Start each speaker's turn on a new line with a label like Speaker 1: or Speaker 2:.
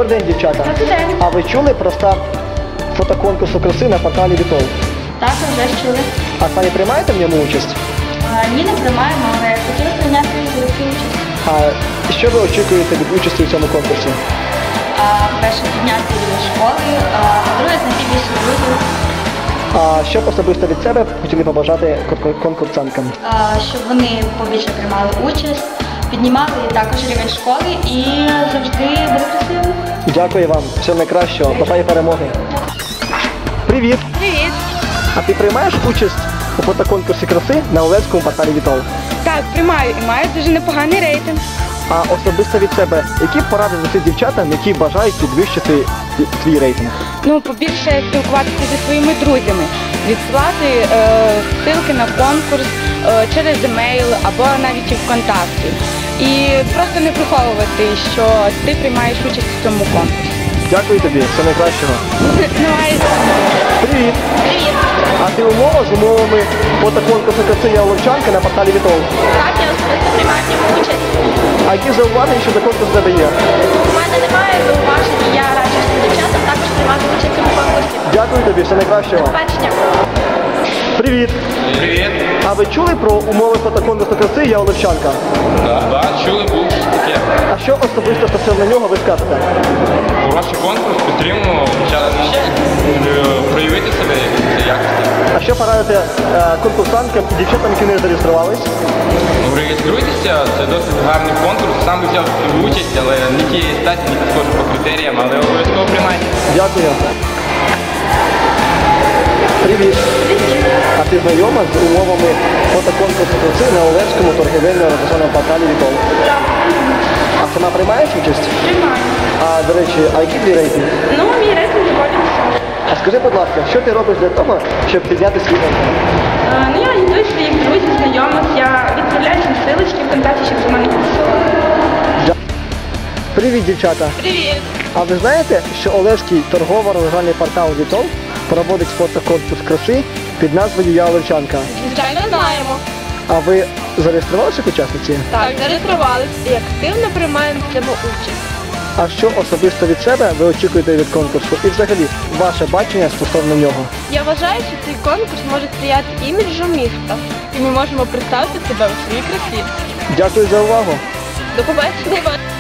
Speaker 1: Добрий день, дівчата.
Speaker 2: Добрий день.
Speaker 1: А ви чули про старт фотоконкурсу краси на порталі Вітол?
Speaker 2: Так, вже ж чули.
Speaker 1: А самі приймаєте в ньому участь?
Speaker 2: Ні, не приймаємо, але хотіли прийняти велику участь.
Speaker 1: А що ви очікуєте від участі в цьому конкурсі?
Speaker 2: Перше, підняти рівень школи, друге, знайти більше друзів,
Speaker 1: А що б особисто від себе хотіли побажати конкурсанткам?
Speaker 2: щоб вони побільше приймали участь, піднімали також рівень школи і завжди були красивими.
Speaker 1: Дякую вам, всього найкращого, бажаю перемоги. Привіт!
Speaker 3: Привіт!
Speaker 1: А ти приймаєш участь у фотоконкурсі краси на Олевському порталі Вітол?
Speaker 3: Так, приймаю і маю дуже непоганий рейтинг.
Speaker 1: А особисто від себе, які б поради дати дівчатам, які бажають підвищити свій рейтинг?
Speaker 3: Ну, побільше спілкуватися зі своїми друзями, відсилати ссылки на конкурс через емейл або навіть і ВКонтакті. І просто не приховувати, що ти приймаєш участь у цьому конкурсі.
Speaker 1: Дякую тобі, всього найкращого. Привіт!
Speaker 2: Привіт!
Speaker 1: А ти з умовами фотоконкурсу краси «Я Оловчанка» на порталі Вітол?
Speaker 2: Так, я особисто приймаю в ньому участь.
Speaker 1: А які зауваження щодо конкурсу в тебе є?
Speaker 2: У мене немає зауважень, і я раджу всім дівчатам також приймати участь у цьому конкурсі.
Speaker 1: Дякую тобі, всього найкращого.
Speaker 2: До побачення.
Speaker 1: Привіт!
Speaker 4: Привіт!
Speaker 1: А ви чули про умови фотоконкурсу краси «Я Оловчанка»?
Speaker 4: Так, чули, був щось таке.
Speaker 1: А що особисто стосовно нього ви скажете?
Speaker 4: Хороший конкурс, підтримуємо, почали проявити себе якості.
Speaker 1: А що порадите конкурсантам і дівчатам, які не зареєструвались?
Speaker 4: Ну, реєструйтеся, це досить гарний конкурс. Сам би взяв участь, але не тієї статі, не підходжу по критеріям, але обов'язково приймайте.
Speaker 1: Дякую. Привіт. А ти знайома з умовами фотоконкурсу краси на Олевському торгівельно-розважальному порталі Вітол? А сама приймаєш участь?
Speaker 2: Приймаю.
Speaker 1: А, до речі, а який твій рейтинг?
Speaker 2: Ну, мій рейтинг доволі високий.
Speaker 1: А скажи, будь ласка, що ти робиш для того, щоб підняти свій рейтинг?
Speaker 2: Ну, я агітую своїх друзів, знайомих, я відправляю їм силочки ВКонтакті, щоб до мене підписували.
Speaker 1: Привіт, дівчата!
Speaker 2: Привіт!
Speaker 1: А ви знаєте, що Олевський торгово-розважальний портал Вітол проводить фотоконкурс краси під назвою «Я Олевчанка»?
Speaker 3: Звичайно, знаємо.
Speaker 1: А ви зареєструвалися як учасниці?
Speaker 3: Так, зареєструвалися і активно приймаємо в цьому участь.
Speaker 1: А що особисто від себе ви очікуєте від конкурсу? І взагалі, ваше бачення стосовно нього?
Speaker 3: Я вважаю, що цей конкурс може сприяти іміджу міста. І ми можемо представити себе у своїй красі.
Speaker 1: Дякую за увагу!
Speaker 3: До побачення!